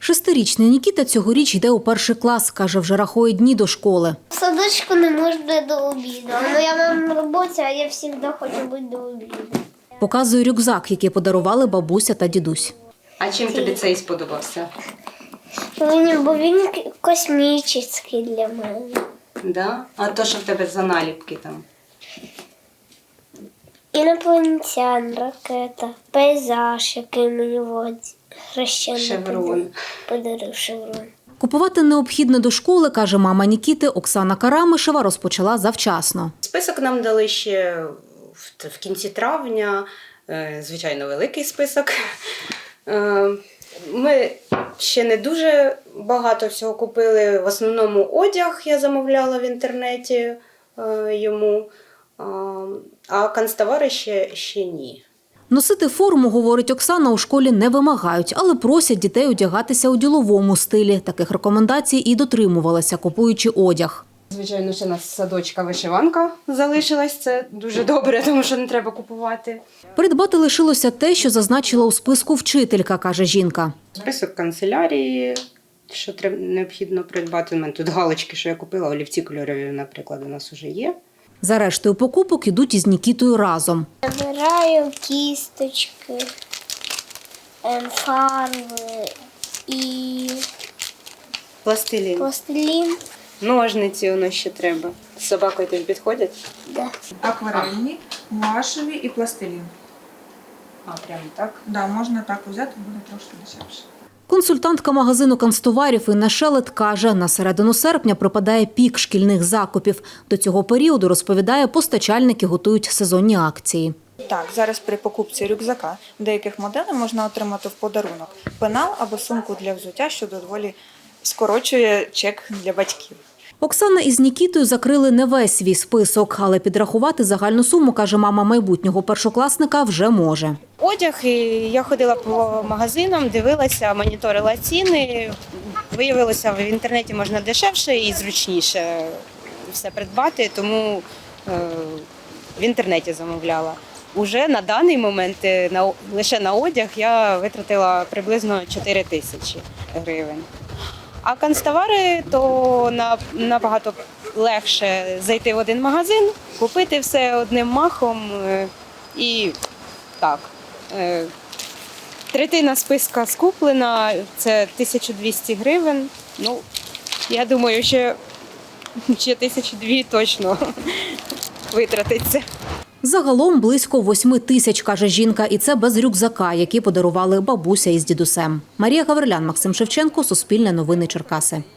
Шестирічний Нікіта цьогоріч йде у перший клас. Каже, вже рахує дні до школи. В садочку не можна до обіду. Моя мама на роботі, а я завжди хочу бути до обіду. Показує рюкзак, який подарували бабуся та дідусь. А чим тобі цей сподобався? Бо він космічний для мене. Да? А то, що в тебе за наліпки там? Інопланетян, ракета, пейзаж, який мені хрещений Шеврон. подарив шеврон. Купувати необхідне до школи, каже мама Нікіти, Оксана Карамишева, розпочала завчасно. Список нам дали ще в кінці травня, звичайно, великий список. Ми ще не дуже багато всього купили, в основному одяг я замовляла в інтернеті йому, а канцтовари ще ні. Носити форму, говорить Оксана, у школі не вимагають, але просять дітей одягатися у діловому стилі. Таких рекомендацій і дотримувалися, купуючи одяг. Звичайно, ще у нас садочка вишиванка залишилась, це дуже добре, тому що не треба купувати. Придбати лишилося те, що зазначила у списку вчителька, каже жінка. Список канцелярії, що необхідно придбати. У мене тут галочки, що я купила, олівці кольорові, наприклад, у нас вже є. За рештою покупок ідуть із Нікітою разом. Набираю кісточки, фарби і Пластилін. пластилін. Ножниці воно ще треба. З собакою тобі підходять? Да. Акварельні, гуашеві і пластилін. А, прямо так? Да, можна так взяти, буде трошки дешевше. Консультантка магазину канцтоварів Інна Шелет каже, на середину серпня припадає пік шкільних закупів. До цього періоду, розповідає, постачальники готують сезонні акції. Так, зараз при покупці рюкзака деяких моделей можна отримати в подарунок пенал або сумку для взуття, що доволі скорочує чек для батьків. Оксана із Нікітою закрили не весь свій список, але підрахувати загальну суму, каже мама майбутнього першокласника, вже може. Одяг, і я ходила по магазинам, дивилася, моніторила ціни. Виявилося, в інтернеті можна дешевше і зручніше все придбати, тому в інтернеті замовляла. Уже на даний момент лише на одяг я витратила приблизно 4 тисячі гривень. А канцтовари, то набагато легше зайти в один магазин, купити все одним махом і так. Третина списка скуплена, це 1200 гривень. Ну, я думаю, ще 1200 точно витратиться. Загалом близько 8 тисяч, каже жінка, і це без рюкзака, який подарували бабуся із дідусем. Марія Гаврилян, Максим Шевченко, Суспільне новини Черкаси.